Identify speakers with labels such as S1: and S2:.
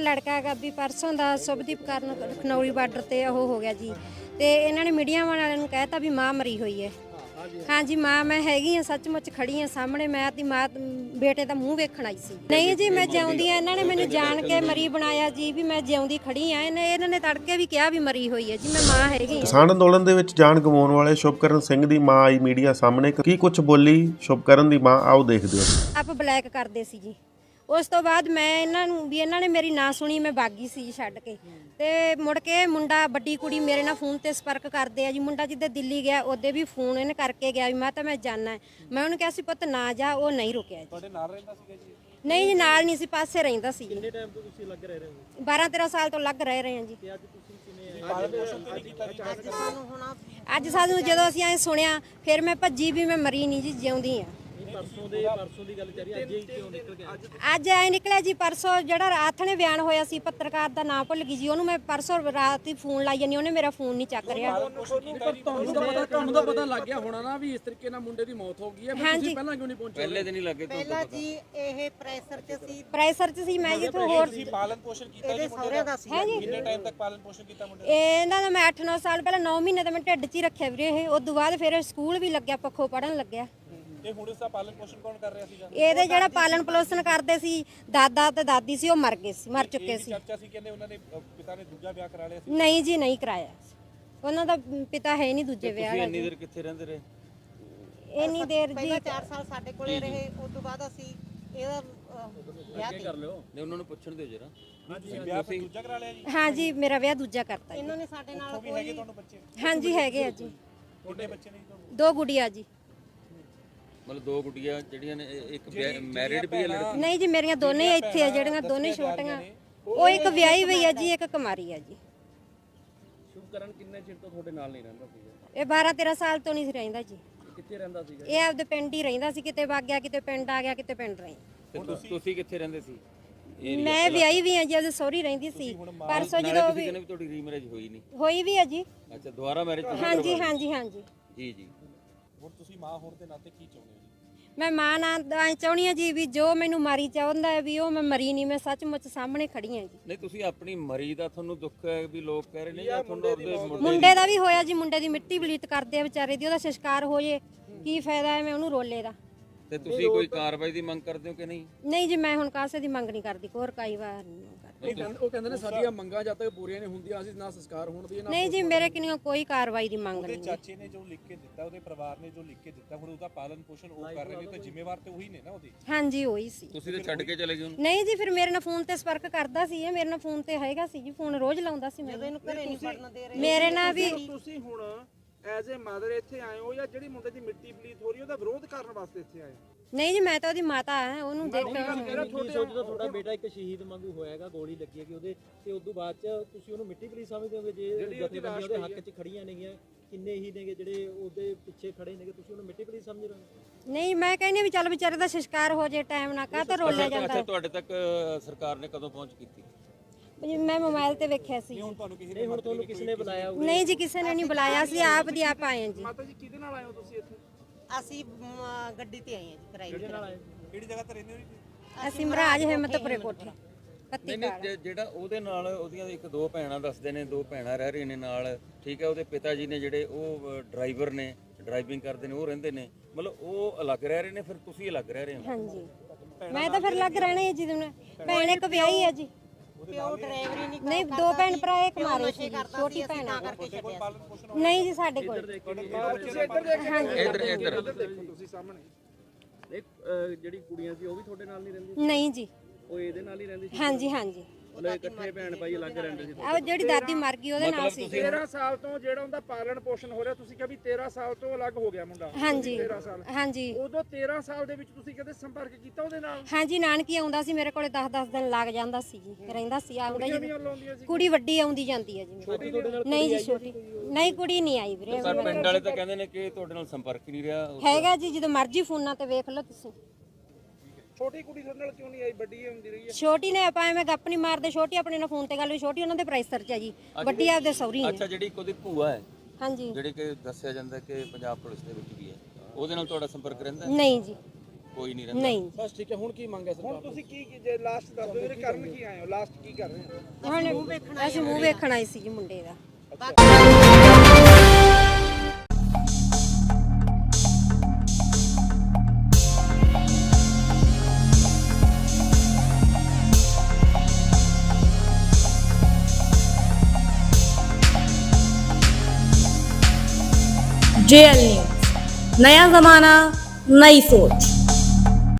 S1: ਲੜਕਾ ਹੈਗਾ ਵੀ ਪਰਸੋਂ ਦਾ ਸੁਭਦੀਪ ਕਾਰਨ ਖਨੌਰੀ ਬਾਰਡਰ ਤੇ ਉਹ ਹੋ ਗਿਆ ਜੀ ਤੇ ਇਹਨਾਂ ਨੇ ਮੀਡੀਆ ਵਾਲਿਆਂ ਨੂੰ ਕਹਿਤਾ ਵੀ ਮਾਂ ਮਰੀ ਹੋਈ ਹੈ। ਹਾਂਜੀ ਮਾਂ ਮੈਂ ਹੈਗੀ ਆ, ਸੱਚਮੁੱਚ ਖੜੀ ਆ ਸਾਹਮਣੇ। ਮੈਂ ਆਪਣੀ ਮਾਂ ਬੇਟੇ ਦਾ ਮੂੰਹ ਵੇਖਣ ਆਈ ਸੀ। ਨਹੀਂ ਜੀ ਮੈਂ ਜਿਉਂਦੀ ਆ, ਇਹਨਾਂ ਨੇ ਮੈਨੂੰ ਜਾਣ ਕੇ ਮਰੀ ਬਣਾਇਆ ਜੀ ਵੀ ਮੈਂ ਜਿਉਂਦੀ ਖੜੀ ਆ। ਇਹਨਾਂ ਨੇ ਤੜਕੇ ਵੀ ਕਿਹਾ ਵੀ ਮਰੀ ਹੋਈ ਹੈ ਜੀ, ਮੈਂ ਮਾਂ ਹੈਗੀ।
S2: ਕਿਸਾਨ ਅੰਦੋਲਨ ਦੇ ਵਿੱਚ ਜਾਨ ਗਵਾਉਣ ਵਾਲੇ ਸ਼ੁਭਕਰਨ ਸਿੰਘ ਦੀ ਮਾਂ ਆਈ ਮੀਡੀਆ ਸਾਹਮਣੇ। ਕੀ ਕੁਝ ਬੋਲੀ ਸ਼ੁਭਕਰਨ ਦੀ ਮਾਂ, ਆਓ ਦੇਖਦੇ ਹਾਂ।
S1: ਆਪ ਬਲੈਕ ਕਰਦੇ ਸੀ ਜੀ। ਉਸ ਤੋਂ ਬਾਅਦ ਮੈਂ ਇਹਨਾਂ ਨੇ ਮੇਰੀ ਨਾ ਸੁਣੀ, ਮੈਂ ਬਾਗੀ ਸੀ ਛੱਡ ਕੇ। ਤੇ ਮੁੜ ਕੇ ਮੁੰਡਾ ਵੱਡੀ ਕੁੜੀ ਮੇਰੇ ਨਾਲ ਫੋਨ ਤੇ ਸੰਪਰਕ ਕਰਦੇ ਆ ਜੀ। ਮੁੰਡਾ ਜਿੱਦੇ ਦਿੱਲੀ ਗਿਆ ਉਹਦੇ ਵੀ ਫੋਨ ਇਹਨੇ ਕਰਕੇ ਗਿਆ ਵੀ ਮੈਂ ਜਾਣਾ। ਮੈਂ ਉਹਨੂੰ ਕਿਹਾ ਸੀ ਪੁੱਤ ਨਾ ਜਾ, ਉਹ ਨਹੀਂ ਰੁਕਿਆ ਜੀ।
S3: ਤੁਹਾਡੇ ਨਾਲ ਰਹਿੰਦਾ ਸੀਗਾ ਜੀ?
S1: ਨਹੀਂ ਜੀ ਨਾਲ ਨਹੀਂ ਸੀ, ਪਾਸੇ ਰਹਿੰਦਾ ਸੀ।
S3: ਕਿੰਨੇ ਟਾਈਮ ਤੋਂ ਤੁਸੀਂ ਲੱਗ ਰਹੇ ਹੋ?
S1: 12-13 ਸਾਲ ਤੋਂ ਲੱਗ ਰਹੇ ਹਾਂ ਜੀ।
S3: ਤੇ ਅੱਜ ਤੁਸੀਂ ਕਿਵੇਂ
S1: ਅੱਜ ਸਾਨੂੰ ਜਦੋਂ ਅਸੀਂ ਐ ਸੁਣਿਆ ਫਿਰ ਮੈਂ ਭੱਜੀ ਵੀ ਮੈਂ ਮਰੀ ਨਹੀਂ ਜੀ, ਜਿਉਂਦੀ ਆ।
S3: ਪਰਸੋਂ ਦੀ ਗੱਲ ਚੱਲ ਰਹੀ, ਅੱਜ ਹੀ ਕਿਉਂ ਨਿਕਲ ਗਿਆ?
S1: ਅੱਜ ਐ ਨਿਕਲਿਆ ਜੀ ਪਰਸੋਂ ਜਿਹੜਾ ਰਾਤ ਨੇ ਬਿਆਨ ਹੋਇਆ ਸੀ, ਪੱਤਰਕਾਰ ਦਾ ਨਾਮ ਭੁੱਲ ਗਈ ਜੀ। ਉਹਨੂੰ ਮੈਂ ਪਰਸੋਂ ਰਾਤ ਹੀ ਫੋਨ ਲਾਈ ਜਾਨੀ, ਉਹਨੇ ਮੇਰਾ ਫੋਨ ਨਹੀਂ ਚੱਕ ਰਿਹਾ।
S3: ਤੁਹਾਨੂੰ ਤਾਂ ਪਤਾ ਲੱਗ ਗਿਆ ਹੋਣਾ ਨਾ ਵੀ ਇਸ ਤਰੀਕੇ ਨਾਲ ਮੁੰਡੇ ਦੀ ਮੌਤ ਹੋ ਗਈ ਹੈ। ਤੁਸੀਂ ਪਹਿਲਾਂ ਕਿਉਂ ਨਹੀਂ ਪਹੁੰਚੇ?
S4: ਪਹਿਲੇ ਦਿਨ ਹੀ ਲੱਗੇ
S5: ਪਹਿਲਾਂ ਜੀ ਇਹ
S1: ਪ੍ਰੈਸ਼ਰ 'ਚ ਸੀ ਮੈਂ ਜੀ। ਤੋਂ ਹੋਰ
S3: ਪਾਲਣ ਪੋਸ਼ਣ ਕੀਤਾ ਜੀ
S5: ਸਹੁਰਿਆਂ ਦਾ ਸੀ।
S3: ਕਿੰਨੇ ਟਾਈਮ ਤੱਕ ਪਾਲਣ ਪੋਸ਼ਣ ਕੀਤਾ ਮੁੰਡੇ
S1: ਇਹਨਾਂ ਦਾ ਮੈਂ 8-9 ਸਾਲ ਪਹਿਲਾਂ 9 ਮਹੀਨੇ ਤਾਂ ਮੈਂ ਢਿੱਡ 'ਚ ਹੀ ਰੱਖਿਆ ਵੀਰੇ। ਇਹ ਉਸ ਤੋਂ ਬਾਅਦ ਫਿਰ ਸਕੂਲ ਵੀ ਲੱਗਿਆ, ਪੱਖੋਂ ਪੜਨ ਲੱਗਿਆ।
S3: ਤੇ ਹੁਣ ਇਸ ਦਾ ਪਾਲਣ ਪੋਸ਼ਣ ਕੌਣ ਕਰ ਰਿਹਾ ਸੀਗਾ?
S1: ਇਹਦੇ ਜਿਹੜਾ ਪਾਲਣ ਪੋਸ਼ਣ ਕਰਦੇ ਸੀ ਦਾਦਾ ਤੇ ਦਾਦੀ ਸੀ, ਉਹ ਮਰ ਗਏ ਸੀ, ਮਰ ਚੁੱਕੇ ਸੀ।
S3: ਚਰਚਾ ਸੀ ਕਹਿੰਦੇ ਉਹਨਾਂ ਨੇ ਪਿਤਾ ਨੇ ਦੂਜਾ ਵਿਆਹ ਕਰਾ ਲਿਆ ਸੀ।
S1: ਨਹੀਂ ਜੀ ਨਹੀਂ ਕਰਾਇਆ, ਉਹਨਾਂ ਦਾ ਪਿਤਾ ਹੈ ਨਹੀਂ ਦੂਜੇ ਵਿਆਹ ਦਾ।
S4: ਇੰਨੀ ਦੇਰ ਕਿੱਥੇ ਰਹਿੰਦੇ ਰਹੇ?
S1: ਇੰਨੀ ਦੇਰ ਜੀ
S5: ਪਹਿਲਾਂ 4 ਸਾਲ ਸਾਡੇ ਕੋਲੇ ਰਹੇ, ਉਸ ਤੋਂ ਬਾਅਦ ਅਸੀਂ ਇਹਦਾ ਵਿਆਹ
S4: ਕਰ ਲਿਓ ਨੇ, ਉਹਨਾਂ ਨੂੰ ਪੁੱਛਣ ਦਿਓ ਜਰਾ।
S3: ਤੁਸੀਂ ਵਿਆਹ ਫਿਰ ਦੂਜਾ ਕਰਾ ਲਿਆ ਜੀ?
S1: ਹਾਂ ਜੀ ਮੇਰਾ ਵਿਆਹ ਦੂਜਾ ਕਰਤਾ ਜੀ।
S5: ਇਹਨਾਂ ਨੇ ਸਾਡੇ ਨਾਲ
S3: ਵੀ ਹੈਗੇ ਤੁਹਾਨੂੰ ਬੱਚੇ?
S1: ਹਾਂਜੀ ਹੈਗੇ ਆ ਜੀ,
S3: ਕਿੰਨੇ ਬੱਚੇ ਨੇ ਜੀ ਤੁਹਾਨੂੰ?
S1: 2 ਗੁੜੀਆਂ ਜੀ।
S4: ਮਤਲਬ 2 ਗੁੱਡੀਆਂ ਜਿਹੜੀਆਂ ਨੇ, ਇੱਕ ਮੈਰਿਡ ਵੀ ਹੈ ਲੜਕੀ?
S1: ਨਹੀਂ ਜੀ ਮੇਰੀਆਂ ਦੋਨੇ ਹੀ ਇੱਥੇ ਆ, ਜਿਹੜੀਆਂ ਦੋਨੇ ਛੋਟੀਆਂ। ਉਹ ਇੱਕ ਵਿਆਹੀ ਹੋਈ ਆ ਜੀ, ਇੱਕ ਕੁਮਾਰੀ ਆ ਜੀ।
S3: ਸ਼ੁਭਕਰਨ ਕਿੰਨੇ ਚਿਰ ਤੋਂ ਤੁਹਾਡੇ ਨਾਲ ਨਹੀਂ ਰਹਿੰਦਾ ਸੀਗਾ?
S1: ਇਹ 12-13 ਸਾਲ ਤੋਂ ਨਹੀਂ ਸੀ ਰਹਿੰਦਾ ਜੀ।
S3: ਕਿੱਥੇ ਰਹਿੰਦਾ ਸੀਗਾ?
S1: ਇਹ ਆਪਦੇ ਪਿੰਡ ਹੀ ਰਹਿੰਦਾ ਸੀ, ਕਿਤੇ ਵਗ ਗਿਆ, ਕਿਤੇ ਪਿੰਡ ਆ ਗਿਆ, ਕਿਤੇ ਪਿੰਡ ਰਹੀ।
S4: ਤੇ ਤੁਸੀਂ ਕਿੱਥੇ ਰਹਿੰਦੇ ਸੀ?
S1: ਮੈਂ ਵਿਆਹੀ ਵੀ ਆ ਜੀ, ਉਹਦੇ ਸਹੁਰੀ ਰਹਿੰਦੀ ਸੀ। ਪਰਸੋਂ ਜਦੋਂ
S4: ਤੁਸੀਂ ਕਹਿੰਦੇ ਵੀ ਤੁਹਾਡੀ ਰੀਮੈਰਿਜ ਹੋਈ ਨਹੀਂ?
S1: ਹੋਈ ਵੀ ਆ ਜੀ।
S4: ਅੱਛਾ, ਦੁਬਾਰਾ ਮੈਰਿਜ?
S1: ਹਾਂਜੀ ਹਾਂਜੀ ਹਾਂਜੀ
S4: ਜੀ ਜੀ।
S3: ਹੁਣ ਤੁਸੀਂ ਮਾਂ ਹੋਣ ਦੇ ਨਾਤੇ ਕੀ ਚਾਹੁੰਦੇ ਹੋ ਜੀ?
S1: ਮੈਂ ਮਾਂ ਨਾਲ ਚਾਹੁੰਦੀ ਆ ਜੀ ਵੀ ਜੋ ਮੈਨੂੰ ਮਾਰੀ ਚਾਹੁੰਦਾ ਹੈ ਵੀ ਉਹ ਮੈਂ ਮਰੀ ਨਹੀਂ, ਮੈਂ ਸੱਚਮੁੱਚ ਸਾਹਮਣੇ ਖੜੀ ਆ ਜੀ।
S4: ਨਹੀਂ, ਤੁਸੀਂ ਆਪਣੀ ਮਰੀ ਦਾ ਤੁਹਾਨੂੰ ਦੁੱਖ ਹੈ ਵੀ ਲੋਕ ਕਹਿ ਰਹੇ ਨੇ, ਜਾਂ ਤੁਹਾਨੂੰ ਉਹਦੇ
S1: ਮੁੰਡੇ ਦਾ ਵੀ ਹੋਇਆ ਜੀ। ਮੁੰਡੇ ਦੀ ਮਿੱਟੀ ਬਲੀਤ ਕਰਦੇ ਆ ਵਿਚਾਰੇ ਦੀ, ਉਹਦਾ ਸੰਸਕਾਰ ਹੋ ਜੇ ਕੀ ਫਾਇਦਾ ਹੈ ਮੈਂ ਉਹਨੂੰ ਰੋਲੇ ਦਾ।
S4: ਤੇ ਤੁਸੀਂ ਕੋਈ ਕਾਰਵਾਈ ਦੀ ਮੰਗ ਕਰਦੇ ਹੋ ਕਿ ਨਹੀਂ?
S1: ਨਹੀਂ ਜੀ ਮੈਂ ਹੁਣ ਕਾਸੇ ਦੀ ਮੰਗ ਨਹੀਂ ਕਰਦੀ, ਹੋਰ ਕਈ ਵਾਰ ਨਹੀਂ ਕਰਦੀ।
S3: ਉਹ ਕਹਿੰਦੇ ਨੇ ਸਾਡੀਆਂ ਮੰਗਾਂ ਜਦ ਤੱਕ ਪੂਰੀਆਂ ਨਹੀਂ ਹੁੰਦੀਆਂ ਅਸੀਂ ਨਾ ਸੰਸਕਾਰ ਹੋਣ ਦੀ
S1: ਨਹੀਂ ਜੀ ਮੇਰੇ ਕਿਨਿਓ ਕੋਈ ਕਾਰਵਾਈ ਦੀ ਮੰਗ
S3: ਉਹਦੇ
S1: ਨਹੀਂ।
S3: ਚਾਚੇ ਨੇ ਜੋ ਲਿਖ ਕੇ ਦਿੱਤਾ, ਉਹਦੇ ਪਰਿਵਾਰ ਨੇ ਜੋ ਲਿਖ ਕੇ ਦਿੱਤਾ, ਹੁਣ ਉਹਦਾ ਪਾਲਣ ਪੋਸ਼ਣ ਉਹ ਕਰ ਰਹੇ ਨੇ, ਤਾਂ ਜ਼ਿੰਮੇਵਾਰ ਤੇ ਉਹੀ ਨੇ ਨਾ ਉਹਦੇ।
S1: ਹਾਂਜੀ ਉਹੀ ਸੀ।
S4: ਤੁਸੀਂ ਤੇ ਛੱਡ ਕੇ ਚਲੇ ਗਏ ਉਹਨੂੰ?
S1: ਨਹੀਂ ਜੀ ਫਿਰ ਮੇਰੇ ਨਾਲ ਫੋਨ ਤੇ ਸੰਪਰਕ ਕਰਦਾ ਸੀ, ਇਹ ਮੇਰੇ ਨਾਲ ਫੋਨ ਤੇ ਹੈਗਾ ਸੀ ਜੀ, ਫੋਨ ਰੋਜ਼ ਲਾਉਂਦਾ ਸੀ ਮੈਨੂੰ।
S5: ਇਹਨੂੰ ਘਰੇ ਨਹੀਂ ਪੜਨ ਦੇ ਰਹੇ।
S1: ਮੇਰੇ ਨਾਲ ਵੀ
S6: ਤੁਸੀਂ ਹੁਣ ਐਜ਼ ਅ ਮਦਰ ਇੱਥੇ ਆਏ ਹੋ ਜਾਂ ਜਿਹੜੀ ਮੁੰਡੇ ਦੀ ਮਿੱਟੀ ਪਲੀਤ ਹੋ ਰਹੀ ਉਹਦਾ ਵਿਰੋਧ ਕਰਨ ਵਾਸਤੇ ਇੱਥੇ ਆਏ ਹੋ?
S1: ਨਹੀਂ ਜੀ ਮੈਂ ਤਾਂ ਉਹਦੀ ਮਾਤਾ ਆ, ਉਹਨੂੰ ਦੇਖ
S7: ਕੀ ਸੋਚਦਾ ਤੁਹਾਡਾ ਬੇਟਾ ਇੱਕ ਸ਼ਹੀਦ ਵਾਂਗੂ ਹੋਇਆਗਾ, ਗੋਲੀ ਲੱਗੀ ਹੈ ਕਿ ਉਹਦੇ, ਤੇ ਉਸ ਤੋਂ ਬਾਅਦ ਚ ਤੁਸੀਂ ਉਹਨੂੰ ਮਿੱਟੀ ਪਲੀਤ ਸਮਝਦੇ ਹੋਗੇ? ਜੇ ਜਥੇਬੰਦੀਆਂ ਉਹਦੇ ਹੱਕ 'ਚ ਖੜੀਆਂ ਨੇਗੀਆਂ, ਕਿੰਨੇ ਹੀ ਨੇਗੇ ਜਿਹੜੇ ਉਹਦੇ ਪਿੱਛੇ ਖੜੇ ਨੇਗੇ, ਤੁਸੀਂ ਉਹਨੂੰ ਮਿੱਟੀ ਪਲੀਤ ਸਮਝ ਰਹੇ ਹੋ?
S1: ਨਹੀਂ ਮੈਂ ਕਹਿੰਦੀ ਵੀ ਚੱਲ ਵਿਚਾਰੇ ਦਾ ਸੰਸਕਾਰ ਹੋ ਜੇ ਟਾਈਮ ਨਾਲ, ਕਾਹ ਤੋਂ ਰੋਲਿਆ ਜਾਂਦਾ।
S4: ਅੱਛਾ, ਤੁਹਾਡੇ ਤੱਕ ਸਰਕਾਰ ਨੇ ਕਦੋਂ ਪਹੁੰਚ ਕੀਤੀ?
S1: ਜੀ ਮੈਂ ਮੋਬਾਈਲ ਤੇ ਵੇਖਿਆ ਸੀ।
S7: ਨਹੀਂ ਹੁਣ ਤੁਹਾਨੂੰ ਕਿਸ ਨੇ ਬੁਲਾਇਆ?
S1: ਨਹੀਂ ਜੀ ਕਿਸੇ ਨੇ ਨਹੀਂ ਬੁਲਾਇਆ, ਸੀ ਆਪ ਦੀ ਆਪ ਆਏ ਹਾਂ ਜੀ।
S6: ਮਾਤਾ ਜੀ ਕਿਹਦੇ ਨਾਲ ਆਏ ਹੋ ਤੁਸੀਂ ਇੱਥੇ?
S5: ਅਸੀਂ ਗੱਡੀ ਤੇ ਆਏ ਹਾਂ ਜੀ, ਕਿਰਾਏ ਤੇ।
S3: ਕਿਹੜੀ ਜਗ੍ਹਾ ਤੇ ਰਹਿੰਦੇ ਹੋ ਜੀ?
S1: ਅਸੀਂ ਮਹਾਰਾਜ ਹਿੰਮਤਪੁਰੇ ਕੋਠੇ ਪੱਤੀ
S4: ਨਹੀਂ, ਜਿਹੜਾ ਉਹਦੇ ਨਾਲ ਉਹਦੀਆਂ 1-2 ਭੈਣਾਂ ਦੱਸਦੇ ਨੇ, 2 ਭੈਣਾਂ ਰਹਿ ਰਹੀਆਂ ਨੇ ਨਾਲ, ਠੀਕ ਹੈ। ਉਹਦੇ ਪਿਤਾ ਜੀ ਨੇ ਜਿਹੜੇ ਉਹ ਡਰਾਈਵਰ ਨੇ, ਡਰਾਈਵਿੰਗ ਕਰਦੇ ਨੇ, ਉਹ ਰਹਿੰਦੇ ਨੇ, ਮਤਲਬ ਉਹ ਅਲੱਗ ਰਹਿ ਰਹੇ ਨੇ, ਫਿਰ ਤੁਸੀਂ ਅਲੱਗ ਰਹਿ ਰਹੇ ਹੋ?
S1: ਹਾਂਜੀ ਮੈਂ ਤਾਂ ਫਿਰ ਲੱਗ ਰਹਿਣਾ ਹੈ ਜੀ। ਭੈਣ ਇੱਕ ਵਿਆਹੀ ਹੈ ਜੀ।
S5: ਪਿਓ ਡਰਾਈਵਰੀ ਨਹੀਂ
S1: ਨਹੀਂ 2 ਭੈਣ ਭਰਾ ਇੱਕ ਮਾਰੇ ਸੀ, ਛੋਟੀ ਭੈਣ ਆ।
S5: ਕਰਕੇ ਛੱਡਿਆ ਸੀ।
S1: ਨਹੀਂ ਜੀ ਸਾਡੇ ਕੋਲ।
S4: ਇੱਧਰ
S6: ਦੇਖੋ ਤੁਸੀਂ ਸਾਹਮਣੇ ਜਿਹੜੀ ਕੁੜੀਆਂ ਸੀ ਉਹ ਵੀ ਤੁਹਾਡੇ ਨਾਲ ਨਹੀਂ ਰਹਿੰਦੀ?
S1: ਨਹੀਂ ਜੀ
S6: ਉਹ ਇਹਦੇ ਨਾਲ ਹੀ ਰਹਿੰਦੀ ਸੀ?
S1: ਹਾਂਜੀ ਹਾਂਜੀ
S6: ਮਤਲਬ ਇਕੱਠੇ ਭੈਣ ਭਾਈ ਅਲੱਗ ਰਹਿੰਦੇ ਸੀ?
S1: ਆ ਜਿਹੜੀ ਦਾਦੀ ਮਰ ਗਈ ਉਹਦੇ ਨਾਲ ਸੀ।
S6: 13 ਸਾਲ ਤੋਂ ਜਿਹੜਾ ਉਹਦਾ ਪਾਲਣ ਪੋਸ਼ਣ ਹੋ ਰਿਹਾ, ਤੁਸੀਂ ਕਿਹਾ ਵੀ 13 ਸਾਲ ਤੋਂ ਅਲੱਗ ਹੋ ਗਿਆ ਮੁੰਡਾ?
S1: ਹਾਂਜੀ
S6: 13 ਸਾਲ।
S1: ਹਾਂਜੀ
S6: ਉਦੋਂ 13 ਸਾਲ ਦੇ ਵਿੱਚ ਤੁਸੀਂ ਕਦੇ ਸੰਪਰਕ ਕੀਤਾ ਉਹਦੇ ਨਾਲ?
S1: ਹਾਂਜੀ ਨਾਨਕੀ ਆਉਂਦਾ ਸੀ ਮੇਰੇ ਕੋਲੇ 10-10 ਦਿਨ ਲੱਗ ਜਾਂਦਾ ਸੀ ਜੀ, ਰਹਿੰਦਾ ਸੀ ਆਉਂਦਾ ਜੀ।
S6: ਲਾਉਂਦੀਆਂ ਸੀ?
S1: ਕੁੜੀ ਵੱਡੀ ਆਉਂਦੀ ਜਾਂਦੀ ਹੈ ਜੀ। ਨਹੀਂ ਜੀ ਛੋਟੀ ਨਹੀਂ, ਕੁੜੀ ਨਹੀਂ ਆਈ ਵੀਰੇ।
S4: ਪਰ ਪਿੰਡ ਵਾਲੇ ਤਾਂ ਕਹਿੰਦੇ ਨੇ ਕਿ ਤੁਹਾਡੇ ਨਾਲ ਸੰਪਰਕ ਹੀ ਨਹੀਂ ਰਿਹਾ।
S1: ਹੈਗਾ ਜੀ, ਜਦੋਂ ਮਰਜ਼ੀ ਫੋਨਾਂ ਤੇ ਵੇਖ ਲਓ ਤੁਸੀਂ।
S6: ਛੋਟੀ ਕੁੜੀ ਤੁਹਾਡੇ ਨਾਲ ਕਿਉਂ ਨਹੀਂ ਆਈ? ਵੱਡੀ ਹੁੰਦੀ ਰਹੀ ਹੈ?
S1: ਛੋਟੀ ਨੇ ਆਪਾਂ ਐਵੇਂ ਗੱਪ ਨਹੀਂ ਮਾਰਦੇ, ਛੋਟੀ ਆਪਣੇ ਨਾਲ ਫੋਨ ਤੇ ਗੱਲ ਹੋਈ, ਛੋਟੀ ਉਹਨਾਂ ਦੇ ਪ੍ਰਾਈਸਰ ਚ ਹੈ ਜੀ, ਵੱਡੀ ਆਪਦੇ ਸਹੁਰੀ
S4: ਅੱਛਾ,
S1: ਨੇ।
S4: ਜਿਹੜੀ ਇੱਕ ਉਹਦੀ ਭੂਆ ਹੈ,
S1: ਹਾਂਜੀ
S4: ਜਿਹੜੀ ਕਿ ਦੱਸਿਆ ਜਾਂਦਾ ਕਿ ਪੰਜਾਬ ਪੁਲਿਸ ਦੇ ਵਿੱਚ ਵੀ ਹੈ, ਉਹਦੇ ਨਾਲ ਤੁਹਾਡਾ ਸੰਪਰਕ ਰਹਿੰਦਾ ਹੈ?
S1: ਨਹੀਂ ਜੀ
S4: ਕੋਈ ਨਹੀਂ ਰਹਿੰਦਾ।
S1: ਨਹੀਂ
S3: ਬਸ ਠੀਕ ਹੈ। ਹੁਣ ਕੀ ਮੰਗ ਹੈ ਸਰਕਾਰ
S6: ਹੁਣ ਤੁਸੀਂ ਕੀ ਜੇ ਲਾਸਟ ਦੱਸ ਦਿਓ ਵੀਰੇ, ਕਰਨ ਕੀ ਆਏ ਹੋ, ਲਾਸਟ ਕੀ ਕਰ ਰਹੇ ਹੋ?
S1: ਹੁਣ ਅਸੀਂ ਮੂੰਹ ਵੇਖਣ ਆਏ ਸੀ ਜੀ ਮੁੰਡੇ ਦਾ।
S8: JL न्यूज़, नया जमाना नई सोच।